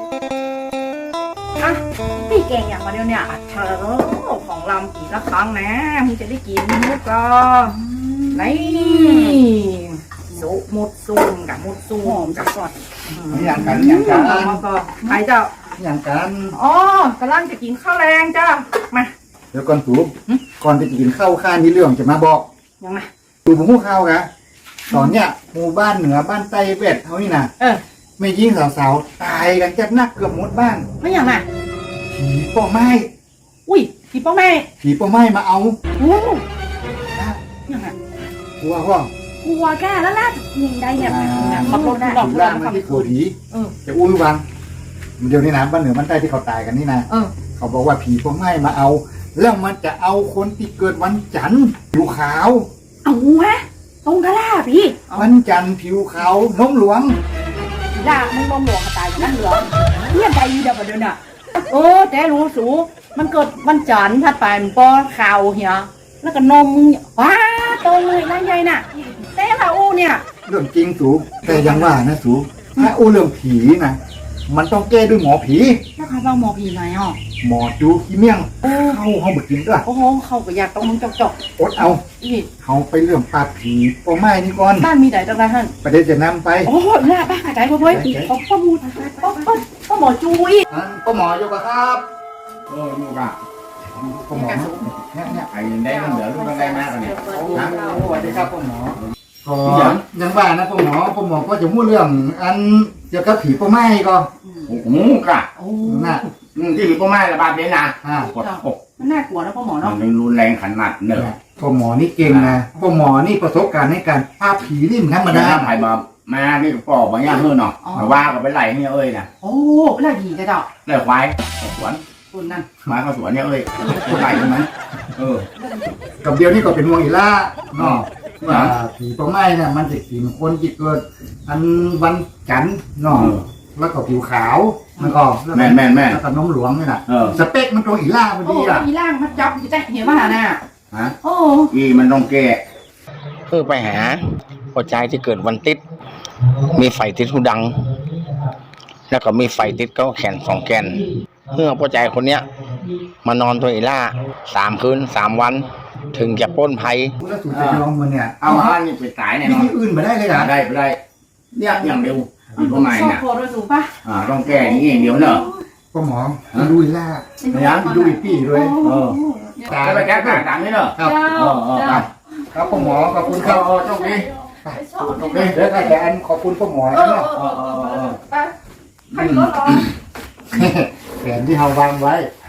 อ่ะพี่เก่งอย่างมาเดียวเนี่ยเธอของลำกี่ละครั้งนะมึงจะได้กินมุกก็นี่สุมุดซุ่มกับมุดซุ่มกับก่อนอย่างกันแล้วก็ใครเจ้าอย่างกันอ๋อกำลังจะกินข้าวแรงจ้ามาเดี๋ยวก่อนสูบก่อนจะกินข้าวข้านี่เรื่องจะมาบอกยังไงสูบหูข้าวกะตอนเนี้ยหมู่บ้านเหนือบ้านใต้เวทเขานี่นะไม่ยิ่งสาวๆตายกันจัดนักเกือบหมดบ้านไม่ยังไงผีป้อไม้อุ้ยพี่ป้าแม่ผีป้อไม้มาเอาโอ้ยังไงกลัวห้องกลัวแกแล้วล่ะยิงได้เนี่ยขับรถได้ผีล่างมันที่กลัวผีจะอุ้ยวังเดี๋ยวนี้นะบ้านเหนือบ้านใต้ที่เขาตายกันนี่นะเขาบอกว่าผีป้อไม้มาเอา แล้วมันจะเอาคนที่เกิดวันจันทร์ผิวขาวเอาฮะตรงกันล่ะพี่วันจันทร์ผิวขาวนมหลวงด่ามึงลงหลวงตายอย่างนั้นเหรอเรียนใจเดียวกันเดินอ่ะแต่รู้สูมันเกิดวันจันทร์ถ้าไปมันปอข่าวเหียแล้วก็นมว้าตรงเลยนั่นใหญ่น่ะแต่ละอูเนี่ยเรื่องจริงสูแต่ยังว่านะสูถ้าอู้เรื่องผีนะมันต้องแก้ด้วยหมอผีแล้วเขาบอกหมอผีไหนอ่ะหมอจูขี้เมี่ยงเข้าเขาบิดกินด้วยโอ้โหเขาก็อยากต้องมึงจอกอดเอาอีกเขาไปเรื่องปราบผีปอไม้นี่ก่อนบ้านมีไหนจังไรท่านประเดี๋ยวจะนำไปโอ้โหน่าบ้าใจเว้ยป้ามูป้าหมอจูอีกป้าหมออยู่ปะครับลูกอ่ะป้าหมอเนี่ยไอ้ได้มันเหลือลูกได้มากเนี่ยสวัสดีครับป้าหมอก็ยังว่านะป้าหมอก็จะพูดเรื่องอันเกี่ยวกับผีปอไม้ก็โอ้โหกะโอ้น่ะที่มีพ่อแม่ระบาดเนี่ยนะกดอกมันน่ากลัวนะป้าหมอมัเนาะนรุนแรงขนาดเนอะป้าหมอนี่เก่งนะป้าหมอนี่ประสบการณ์ในการปราบผีนี่มันธรรมดาไผ่มานี่ก็ปอกบางอย่างเฮ้อเนาะแต่ว่าก็ไปไหลเนี่ยเอ้ยนะโอ้ไล่ผีกันเจ้าไหลควายสวนคนนั่นมาเข้าสวนเนี่ยเอ้ยไหลใช่ไหมกับเดียวนี่ก็เป็นห่วงอีล่าเนาะว่าผีปอไม้น่ะมันจะกินคนที่เกิดอันวันจันทร์เนาะแล้วก็ผิวขาวมันก็แล้วก็น้มหลวงนี่แหละสเปคมันตรงอีล่าพอโอ้ดีอ่ะมีร่างมันจับจะเห็นว่าน่ะฮะโอ้อีมันต้องแก้คือไปหาหัวใจที่เกิดวันติด มีไฟติดหูดัง แล้วก็มีไฟติดก็แขน2 แกนเมื่อหัวใจคนเนี้ย มานอนตัวอีล่า3 คืน 3 วัน ถึงจะปล้นภัยแล้วสูตรจะยอมมันเนี่ยเอาอันนี้ไปตายเนี่ยวิธีอื่นมาได้เลยอ่ะได้ไปได้เนี่ยอย่างเดียวพ่อแม่ชอบเนี่ยโคตรสูงป่ะต้องแก้อย่างนี้อย่างเดียวเนอะป้าหมอดูอีล่าดูอีปี้ด้วยจะไปแก้ต่างๆนี่เนอะครับ ครับป้าหมอขอบคุณครับโชคดีโอเคเดี๋ยวถ้าแต่อันขอบคุณป้าหมอนะไปใครก็รอแผนที่เราวางไว้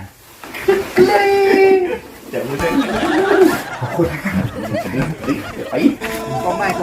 เดี๋ยวมึงเล่นขอบคุณไปก็ไม่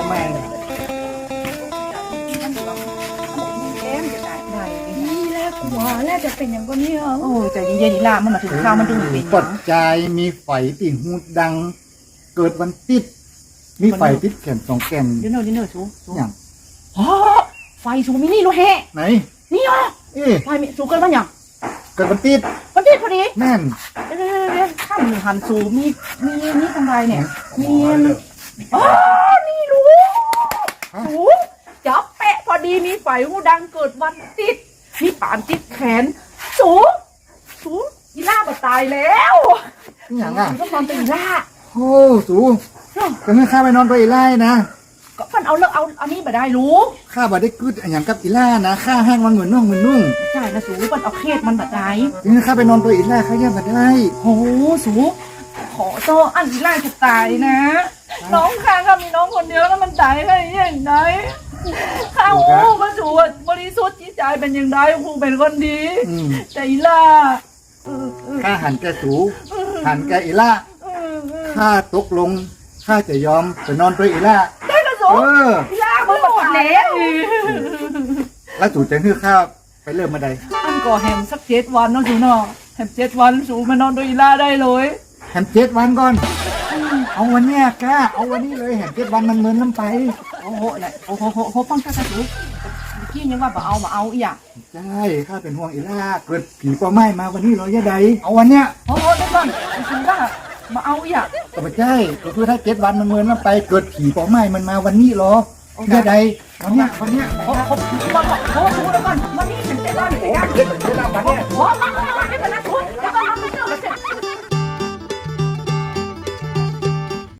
นี่แหละหัวแรกจะเป็นอย่างก็นี้โอ้ใจเย็นๆนี่ล่ะมันมาถึงข้าวมันดึงเป็นปัจจัยมีไฟติ่งหูดัง เกิดวันติด มีไฟติดแขน2 แกนเดี๋ยวเนอชูอย่างอ๋อไฟสูมินี่รู้แฮะไหนนี่เหรอ ไฟสูเกินมันอย่างเกิดวันติดมันติดพอดีแม่นเดี๋ยวข้ามหนึ่งหันสูมีนี่ทำไรเนี่ยมีอ๋อนี่รู้สูจับแปะพอดีมีไฟหูดังเกิดวันติดมีป่านติดแขนสูอีล่ามาตายแล้วอย่างอ่ะต้องนอนเป็นอีล่าโอ้สูก็ให้ข้าไปนอนไปอีล่านะก็มันเอาอันนี้มาได้รู้ข้าบ่ได้กึดอย่างกับอีล่านะข้าแห้งมันเหมือนน่องเหมือนนุ่งใช่นะสูมันเอาเครียดมันแบบไหนถึงให้ข้าไปนอนไปอีล่าข้าแย่บ่ได้โอ้สูขอโตอันอีล่าจะตายนะ น้องข้างก็มีน้องคนเดียวแล้วมันตายได้ยังไงข้าโอ้มาสูบริสุทธิ์จิตใจเป็นยังไงครูเป็นคนดีแต่อีล่าข้าหันแกสูหันแกอีล่าข้าตกลงข้าจะยอมไปนอนไปอีล่าได้กระสูอีล่ามันหมดแล้วแล้วสูจะให้ข้าไปเริ่มมาใดอันก่อแฮมสัก7 วันเนาะสูเนาะแฮม7 วันสูมานอนโดยอีล่าได้เลยแหม7 วันก่อน เอาวันเนี้ยกล้าเอาวันนี้เลยแหม7 วันมันเหมือนน้ำไปโอ้โหเนี่ยโอ้โหฟังกระสูกี้ยังว่าบ่เอาอีอ่ะใช่ข้าเป็นห่วงอีล่าเกิดผีปอไม้มาวันนี้เหรอยะใดเอาวันเนี้ยโอ้โหเดี๋ยวก่อนสูว่ามาเอาอีอ่ะก็ไม่ใช่ก็คือถ้า7 วันมันเหมือนน้ำไปเกิดผีปอไม้มันมาวันนี้เหรอยะใดวันเนี้ยเขาสูแล้วก่อนวันนี้เป็นก่อนโอ้ขึ้นไปแล้ว